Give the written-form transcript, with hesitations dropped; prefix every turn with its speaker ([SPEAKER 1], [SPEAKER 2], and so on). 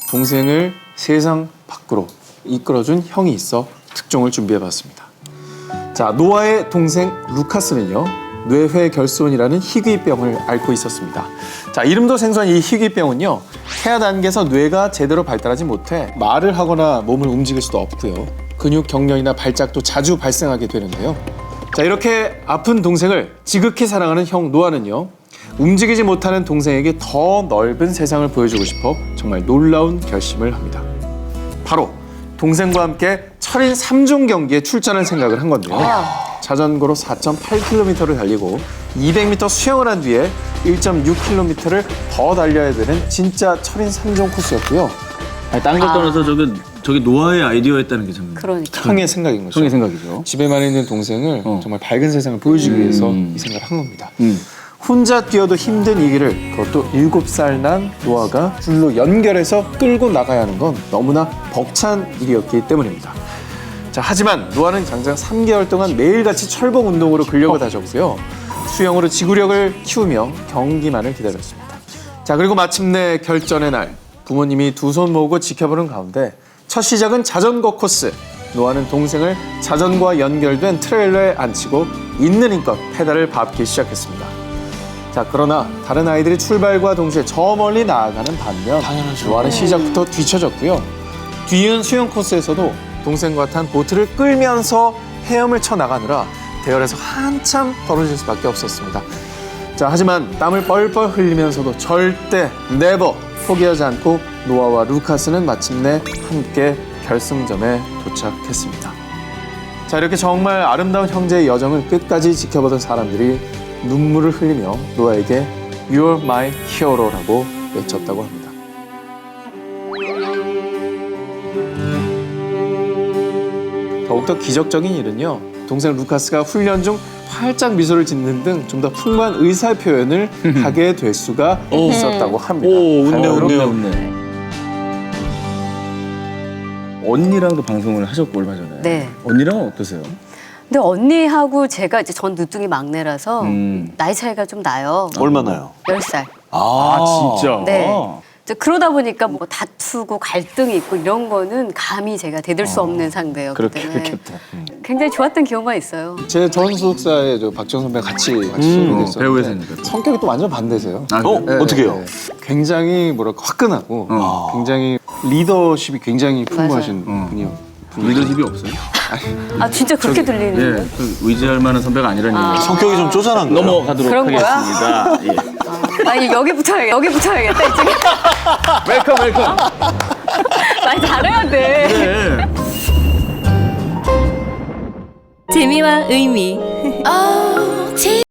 [SPEAKER 1] 동생을 세상 밖으로 이끌어준 형이 있어 특종을 준비해봤습니다. 자, 노아의 동생 루카스는요, 뇌회 결손이라는 희귀병을 앓고 있었습니다. 자, 이름도 생소한 이 희귀병은요, 태아 단계에서 뇌가 제대로 발달하지 못해 말을 하거나 몸을 움직일 수도 없고요. 근육 경련이나 발작도 자주 발생하게 되는데요. 자, 이렇게 아픈 동생을 지극히 사랑하는 형 노아는요, 움직이지 못하는 동생에게 더 넓은 세상을 보여주고 싶어 정말 놀라운 결심을 합니다. 바로 동생과 함께 철인 3종 경기에 출전할 생각을 한 건데요. 자전거로 4.8km를 달리고 200m 수영을 한 뒤에 1.6km를 더 달려야 되는 진짜 철인 3종 코스였고요.
[SPEAKER 2] 아니, 딴 걸 떠나서 저게 노아의 아이디어였다는 게 참.
[SPEAKER 3] 그러니까.
[SPEAKER 1] 형의 생각인 거죠.
[SPEAKER 2] 형의 생각이죠.
[SPEAKER 1] 집에만 있는 동생을 정말 밝은 세상을 보여주기 위해서 이 생각을 한 겁니다. 혼자 뛰어도 힘든 이 길을 그것도 7살 난 노아가 줄로 연결해서 끌고 나가야 하는 건 너무나 벅찬 일이었기 때문입니다. 자, 하지만 노아는 장장 3개월 동안 매일같이 철봉 운동으로 근력을 다졌고요. 수영으로 지구력을 키우며 경기만을 기다렸습니다. 자, 그리고 마침내 결전의 날, 부모님이 두 손 모으고 지켜보는 가운데 첫 시작은 자전거 코스. 노아는 동생을 자전거와 연결된 트레일러에 앉히고 있는 힘껏 페달을 밟기 시작했습니다. 자, 그러나 다른 아이들이 출발과 동시에 저 멀리 나아가는 반면 노아는 시작부터 뒤처졌고요. 뒤이은 수영 코스에서도 동생과 탄 보트를 끌면서 헤엄을 쳐 나가느라 대열에서 한참 떨어질 수밖에 없었습니다. 자, 하지만 땀을 뻘뻘 흘리면서도 절대 네버 포기하지 않고 노아와 루카스는 마침내 함께 결승점에 도착했습니다. 자, 이렇게 정말 아름다운 형제의 여정을 끝까지 지켜보던 사람들이 눈물을 흘리며 노아에게 You're my hero라고 외쳤다고 합니다. 더욱더 기적적인 일은요, 동생 루카스가 훈련 중 활짝 미소를 짓는 등 좀 더 풍부한 의사 표현을 하게 될 수가 있었다고 합니다.
[SPEAKER 2] 오, 웃네,
[SPEAKER 1] 바로
[SPEAKER 2] 웃네, 웃네. 언니랑도 방송을 하셨고 얼마 전에.
[SPEAKER 3] 네.
[SPEAKER 2] 언니랑은 어떠세요?
[SPEAKER 3] 근데 언니하고 제가 이제 전 늦둥이 막내라서 나이 차이가 좀 나요.
[SPEAKER 4] 얼마나요?
[SPEAKER 3] 10살.
[SPEAKER 2] 진짜?
[SPEAKER 3] 네. 이제 그러다 보니까 뭐 다투고 갈등이 있고 이런 거는 감히 제가 대들 수 없는 상대였기 때문에
[SPEAKER 2] 그렇겠다.
[SPEAKER 3] 굉장히 좋았던 기억만 있어요.
[SPEAKER 1] 제 전 소속사에 박정 선배 같이 소속됐었는데
[SPEAKER 2] 배우였으니까.
[SPEAKER 1] 성격이 또 완전 반대세요.
[SPEAKER 4] 어떻게 해요?
[SPEAKER 1] 굉장히 뭐랄까 화끈하고 굉장히 리더십이 굉장히 풍부하신 분이요.
[SPEAKER 2] 리더십이 없어요?
[SPEAKER 3] 아 진짜 그렇게 들리는
[SPEAKER 2] 예, 그 의지할 만한 선배가 아니라는 얘기.
[SPEAKER 4] 성격이 좀 쪼잔한 거예요.
[SPEAKER 2] 넘어가도록
[SPEAKER 3] 그런 거야?
[SPEAKER 2] 하겠습니다. 예.
[SPEAKER 3] 아니 여기 붙어야겠다 이쪽에.
[SPEAKER 2] 웰컴, 웰컴.
[SPEAKER 3] 말 잘해야 돼.
[SPEAKER 2] 네.
[SPEAKER 5] 재미와 의미